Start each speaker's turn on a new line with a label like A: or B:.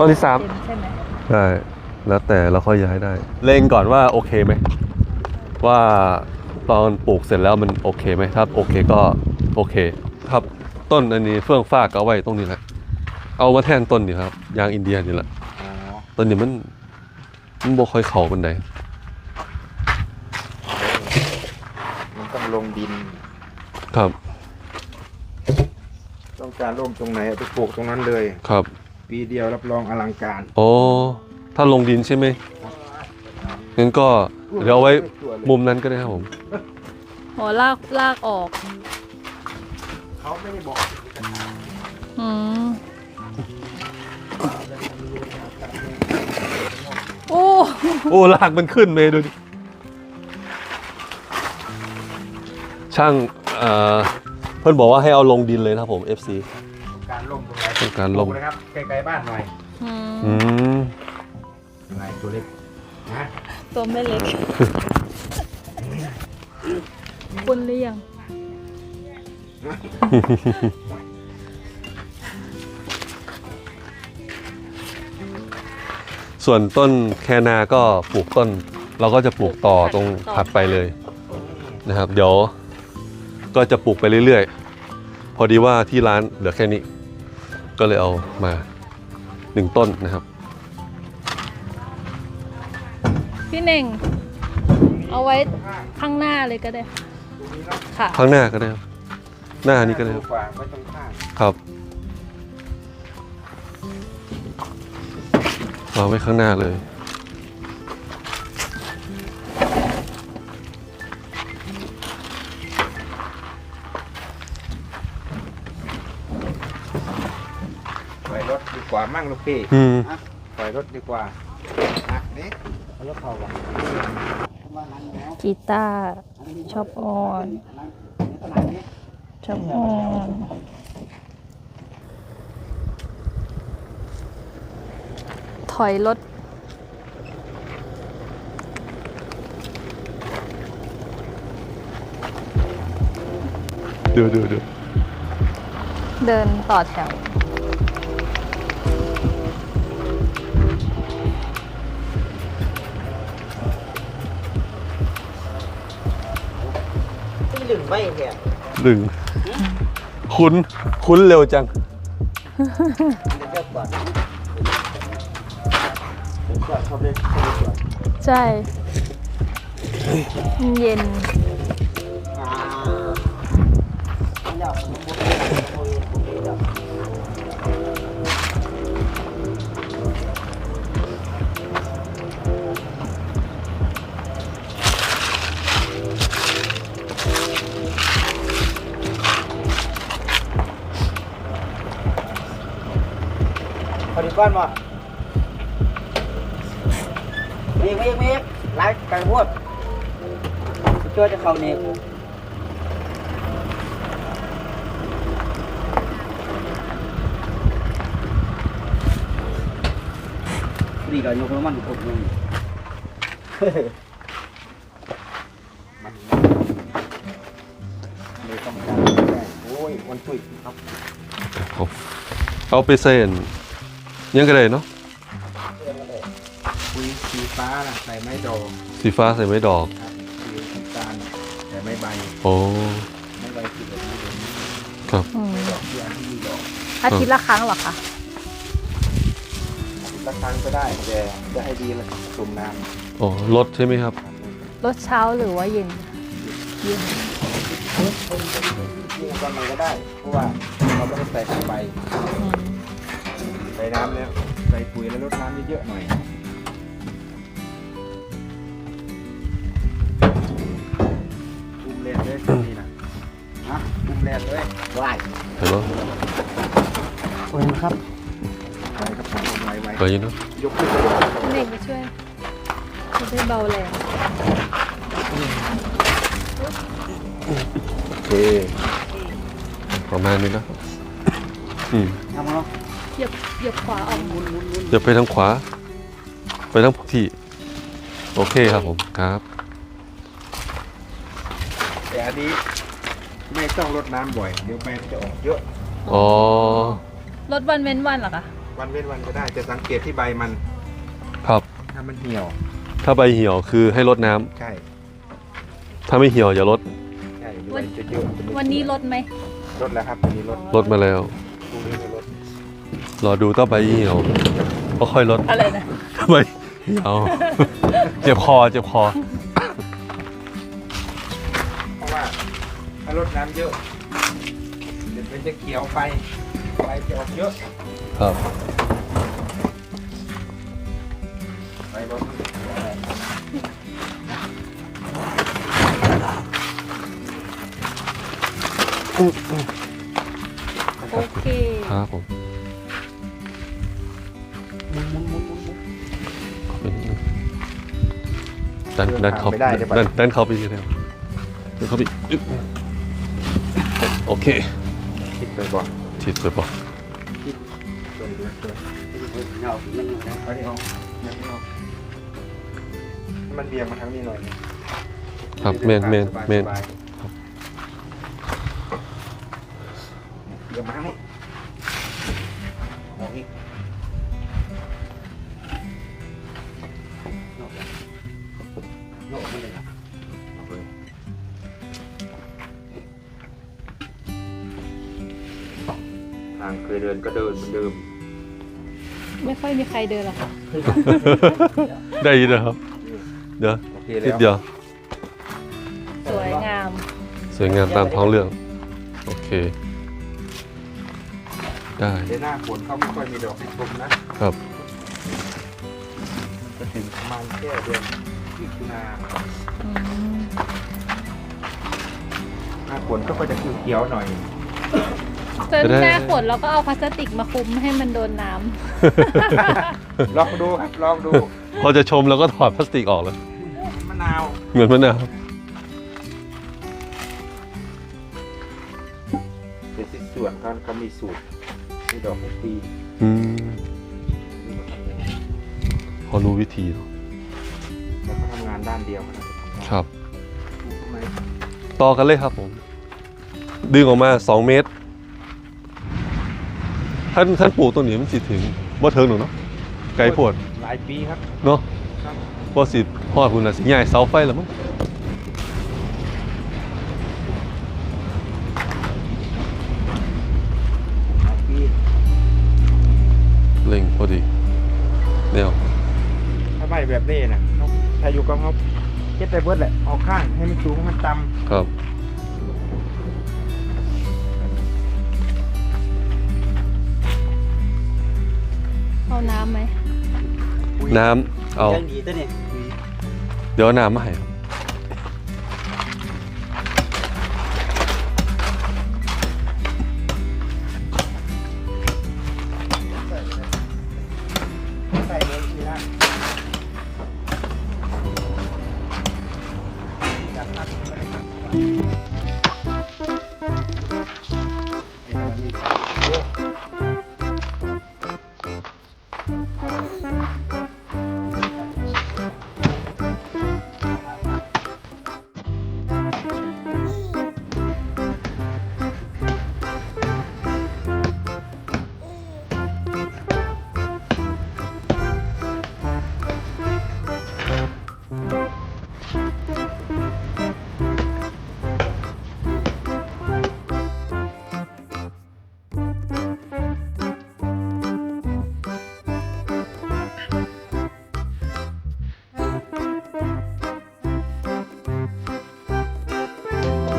A: ต้นที่ 3
B: ใช่ไหม
A: ใช่แล้วแต่เราค่อยย้ายได้เล็งก่อนว่าโอเคไหมว่าตอนปลูกเสร็จแล้วมันโอเคไหมถ้าโอเคก็โอเคครับต้นอันนี้เฟื่องฟ้าก็เอาไว้ตรงนี้แหละเอามาแทนต้นนี่ครับยางอินเดียนี่แหละต้นนี้มันบ่ค่อยเข่าเป็นได
C: มันต้องลงดิน
A: ครับ
C: ต้องการร่มตรงไหนไปปลูกตรงนั้นเลย
A: ครับ
C: ปีเดียวรับรองอลังการ
A: โอ้ถ้าลงดินใช่ไหมงั้นก็เดี๋ยวเอาไว้มุมนั้นก็ได้ครับผม
B: อ๋อลากออก
C: เขาไม่ได้บอก
B: โอ้
A: ลากมันขึ้นเลยดูดิช่างเพื่อนบอกว่าให้เอาลงดินเลยนะครับผม FC
C: การล่มตรงไหน
A: ต้องการลง
C: นะครับไกลๆบ้านหน่อยอะไรตัวเล็กนะ
B: ตัวไม่เล็กคุณหรือยัง
A: ส่วนต้นแคนาก็ปลูกต้นเราก็จะปลูกต่อตรงถัดไปเลยนะครับเดี๋ยวก็จะปลูกไปเรื่อยๆพอดีว่าที่ร้านเหลือแค่นี้ก็เลยเอามา1ต้นนะครับ
B: พี่เน่งเอาไว้ข้างหน้าเลยก็ได้ค่ะ
A: ข้างหน้าก็ได้ครับหน้านี้ก็ได้ครับครับวางไว้ข้างหน้าเลย
C: ปล่อยรถดีกว่ามั่งลูกพี่ปล่อยรถดีกว่านี่รถเขา
B: กีตาร์ชอบออนถอยรถ
A: ดู
B: เดินต่อแถว
C: ลึงไม่เนี่ย
A: ลึงคุ้นเร็วจัง
B: ใช่เย็น
C: พอดีก้อนบ่มีไล่ไก่พวดช่วยจะเขาเนี่ยนี่ก็ยกน้ำมันถูกนึงเลยต้องการโอ้ยวันตุ้ยครับ
A: เอาไปเส้นยังก็ได้เนาะ
C: สีฟ้าใส่ไม้ดอก
A: สีฟ้าใส่ไม้ดอก
C: สีน้ำตาลใส่ไม้ใบ
A: โอ้
C: ไม้ใบคือแบบนี้
A: ครับ
C: ดอกที่อันที่มีดอก
B: อาทิตย์ละครั้งเหรอคะ
C: ละครั้งก็ได้แต่จะให้ดีละจุ่มน้
A: ำโอ้ลดใช่ไหมครับ
B: ลดเช้าหรือว่าเย็น
C: ยิ่งตอนไหนก็ได้เพราะว่าเราไม่ได้ใส่ใบใส่น้ำแล้วใส่ปุ๋ยแล้วลดน้ำเยอะๆหน่อยอุ้มแรกเลยนี่นะอุ้มแรกเลยไหว
A: เห็นไหม
C: โอ้ยครับไปครับผมไว
A: ไปยินเนาะ
C: ยกขึ้น
B: เด็กมาช่วยจะได้เบาแรง
A: โอเคประมาณนี้นะ
C: ทำมาเนาะ
B: เหยียบขวาออก
A: อย่าไปทางขวาไปทางที่โอเคครับผมครับ
C: แต่อันนี้ไม่ต้องรดน้ำบ่อยเดี๋ยวแมงจะออกเยอะ
B: รดวันเว้นวันเหรอคะ
C: วันเว้นวันก็ได้จะสังเกตที่ใบมัน
A: ครับ
C: ถ้ามันเหี่ยว
A: ถ้าใบเหี่ยวคือให้ลดน้ำ
C: ใช่
A: ถ้าไม่เหี่ยวอย่าลด
C: ใช่ใบจะเยอะ
B: วันนี้ลดไหม
C: ลดแล้วครับวันนี้ลด
A: ลดมาแล้ว
C: พรุ่งนี้ก็ลด
A: รอดูต่อใบเหี่ยวก็ค่อยลด
B: อะไรนะ
A: ใบเหี่ยว เจ็บคอเจ็บคอ
C: เพราะว่าถ้าลดน้ำเยอะเดี๋ยวมันจะเขียวไปใบจะออกเยอะ
A: ครับ
C: ใบบน
B: โอเค
A: ครับผมดันเขาดันเขาไปทีเดียวดันเขาไปอึ๊บโอเค
C: คิดไปบ่
A: ฉีดสวยปะ
C: เอาที่เอาให้มันเบี่ยงมาทางนี้หน่อย
A: ครับเมน
C: สบายๆเบี่ยงมาทางนี้มองอีกเอาเลยทางเคยเดินก็เดินเหมือนเดิม
B: ไม่ค่อยมีใครเดินหรอกค่ะ
A: ได้ยินนะครับ เดี๋ยว
C: โอเค
A: นิ
C: แล้
A: ด
C: ว
A: เดียว
B: สวยงาม
A: สวยงามตามท้องเรื่อง โอเค ได้
C: เดี๋ยวหน้าฝนเขาไม่ค่อยมีดอกให้ชมนะครับ มันจะถึงประมาณแค่เดือนมิถุนา
B: อืม
C: หน้าฝนก็จะเขียวๆหน่อย
B: จนหน้าฝนเราก็เอาพลาสติกมาคลุมให้มันโดนน้
C: ลองดูครับลองดู
A: พอจะชมแล้วก็ถอดพลาสติกออกแล้ว
C: มะนาว
A: เหมือนมะนาว
C: เป็นที่ส่วนเขามีสูตรมีดอกให้ปี
A: อืม
C: นี่มาทำงาน
A: พอรู้วิธีเนอะ
C: แล้วก็ทำงานด้านเดียวมันจะทำงาน
A: ครับ
C: ปลูกทำไม
A: ต่อกันเลยครับผม ดึงออกมา 2 เมตร ท่านปลูกตรงนี้มันสิถึงบ่เทิงหนูเนาะ ไกลโพด
C: หลายปีครับ
A: เนาะ
C: ครับ
A: บ่สิฮอดคุณน่ะสิใหญ่เสาไฟแล้วมั้ง
C: หลายปี
A: เล็งพอดีแนว
C: ถ้าไม่แบบนี้นะถ้าอยู่กับเขาเช็ดได้เบิดแหละเอาข้างให้มันสูงให้มันต่
A: ครับ
B: ำเอาน้ำไหม
C: ำ
A: น้ำเอา
C: ยังดีตัวนี้
A: เดี๋ยวเอาน้ำมาให้ครับ
C: ใส่เลยทีละจับนัดไปเลยครับ